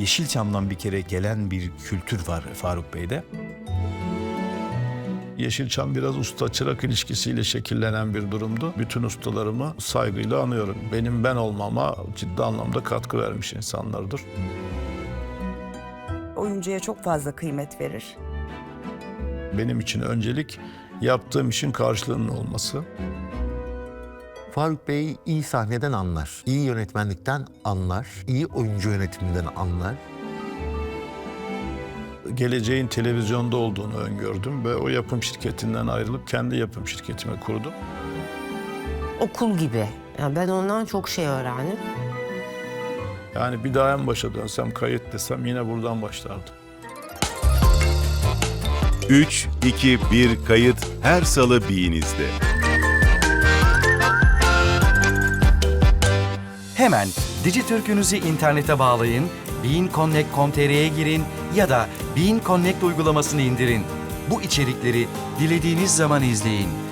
Yeşilçam'dan bir kere gelen bir kültür var Faruk Bey'de. Yeşilçam biraz usta-çırak ilişkisiyle şekillenen bir durumdu. Bütün ustalarımı saygıyla anıyorum. Benim ben olmama ciddi anlamda katkı vermiş insanlardır. Oyuncuya çok fazla kıymet verir. Benim için öncelik yaptığım işin karşılığının olması. Faruk Bey iyi sahneden anlar, iyi yönetmenlikten anlar, iyi oyuncu yönetiminden anlar. Geleceğin televizyonda olduğunu öngördüm ve o yapım şirketinden ayrılıp kendi yapım şirketimi kurdum. Okul gibi. Yani ben ondan çok şey öğrendim. Yani bir daha en başa dönsem, kayıt desem yine buradan başlardım. 3, 2, 1 kayıt her salı Bean'izde. Hemen Dijitürk'ünüzü internete bağlayın, beanconnect.com.tr'ye girin ya da Bean Connect uygulamasını indirin. Bu içerikleri dilediğiniz zaman izleyin.